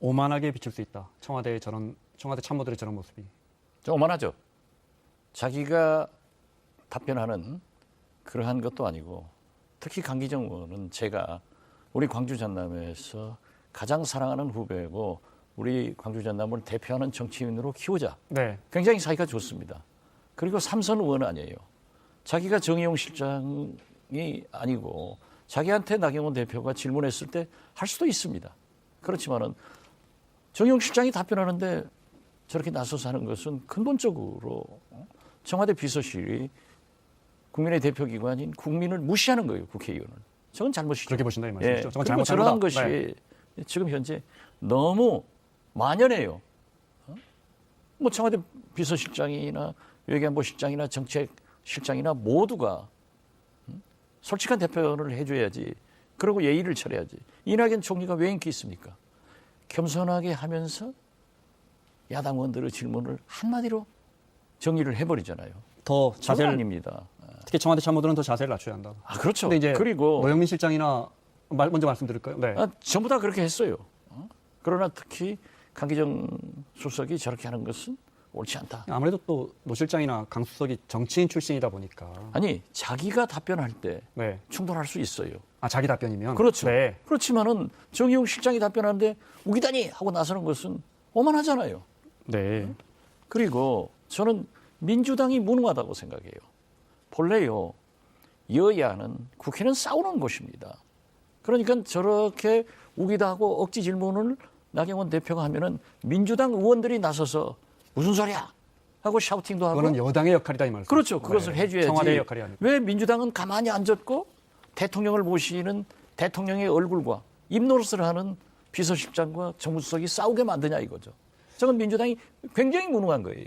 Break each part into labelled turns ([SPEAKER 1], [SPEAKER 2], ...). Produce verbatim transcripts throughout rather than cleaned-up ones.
[SPEAKER 1] 오만하게 비칠 수 있다. 청와대의 저런 청와대 참모들의 저런 모습이.
[SPEAKER 2] 좀 오만하죠. 자기가 답변하는 그러한 것도 아니고 특히 강기정 의원은 제가 우리 광주 전남에서 가장 사랑하는 후배고 우리 광주 전남을 대표하는 정치인으로 키우자.
[SPEAKER 1] 네.
[SPEAKER 2] 굉장히 사이가 좋습니다. 그리고 삼선 의원 아니에요. 자기가 정의용 실장이 아니고 자기한테 나경원 대표가 질문했을 때 할 수도 있습니다. 그렇지만은 정의용 실장이 답변하는데 저렇게 나서서 하는 것은 근본적으로 청와대 비서실이 국민의 대표기관인 국민을 무시하는 거예요. 국회의원을. 저건 잘못이죠.
[SPEAKER 1] 그렇게 보신다 이
[SPEAKER 2] 예.
[SPEAKER 1] 말씀이죠. 저건
[SPEAKER 2] 그리고
[SPEAKER 1] 잘못한
[SPEAKER 2] 저러한
[SPEAKER 1] 거다.
[SPEAKER 2] 것이
[SPEAKER 1] 네.
[SPEAKER 2] 지금 현재 너무 만연해요. 어? 뭐 청와대 비서실장이나 외교안보실장이나 정책실장이나 모두가 음? 솔직한 대표를 해줘야지. 그리고 예의를 차려야지. 이낙연 총리가 왜 인기 있습니까? 겸손하게 하면서 야당 의원들의 질문을 한마디로 정리를 해버리잖아요.
[SPEAKER 1] 더
[SPEAKER 2] 자세
[SPEAKER 1] 자세를
[SPEAKER 2] 아닙니다.
[SPEAKER 1] 특히 청와대 참모들은 더 자세를 낮춰야 한다.
[SPEAKER 2] 아 그렇죠.
[SPEAKER 1] 근데 이제
[SPEAKER 2] 그리고
[SPEAKER 1] 노영민 실장이나 말, 먼저 말씀드릴까요? 네.
[SPEAKER 2] 아, 전부 다 그렇게 했어요. 어? 그러나 특히 강기정 수석이 저렇게 하는 것은 옳지 않다.
[SPEAKER 1] 아무래도 또 노 실장이나 강 수석이 정치인 출신이다 보니까.
[SPEAKER 2] 아니 자기가 답변할 때
[SPEAKER 1] 네.
[SPEAKER 2] 충돌할 수 있어요.
[SPEAKER 1] 아 자기 답변이면.
[SPEAKER 2] 그렇죠.
[SPEAKER 1] 네.
[SPEAKER 2] 그렇지만은 정의용 실장이 답변하는데 우기다니 하고 나서는 것은 오만하잖아요.
[SPEAKER 1] 네.
[SPEAKER 2] 그리고 저는 민주당이 무능하다고 생각해요. 본래요 여야는 국회는 싸우는 곳입니다. 그러니까 저렇게 우기다 하고 억지 질문을 나경원 대표가 하면은 민주당 의원들이 나서서 무슨 소리야 하고 샤우팅도 하고
[SPEAKER 1] 그거는 여당의 역할이다 이 말씀.
[SPEAKER 2] 그렇죠. 그것을
[SPEAKER 1] 네.
[SPEAKER 2] 해줘야지.
[SPEAKER 1] 청와대의 역할이 아니고.
[SPEAKER 2] 왜 민주당은 가만히 앉았고 대통령을 모시는 대통령의 얼굴과 입노릇을 하는 비서실장과 정무수석이 싸우게 만드냐 이거죠. 저건 민주당이 굉장히 무능한 거예요.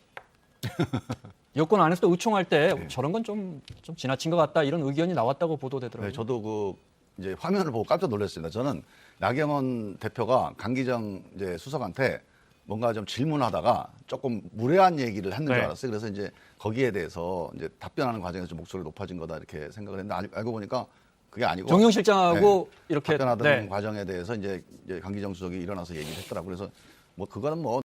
[SPEAKER 1] 여권 안에서도 의총할 때
[SPEAKER 3] 네.
[SPEAKER 1] 저런 건 좀 좀 지나친 것 같다 이런 의견이 나왔다고 보도되더라고요.
[SPEAKER 3] 네, 저도 그 이제 화면을 보고 깜짝 놀랐습니다. 저는 나경원 대표가 강기정 이제 수석한테 뭔가 좀 질문하다가 조금 무례한 얘기를 했는 줄
[SPEAKER 1] 네.
[SPEAKER 3] 알았어요. 그래서 이제 거기에 대해서 이제 답변하는 과정에서 좀 목소리가 높아진 거다 이렇게 생각을 했는데 알- 알고 보니까 그게 아니고
[SPEAKER 1] 정용 실장하고
[SPEAKER 3] 네,
[SPEAKER 1] 이렇게
[SPEAKER 3] 답변하던
[SPEAKER 1] 네.
[SPEAKER 3] 과정에 대해서 이제, 이제 강기정 수석이 일어나서 얘기를 했더라고요. 그래서 뭐 그거는 뭐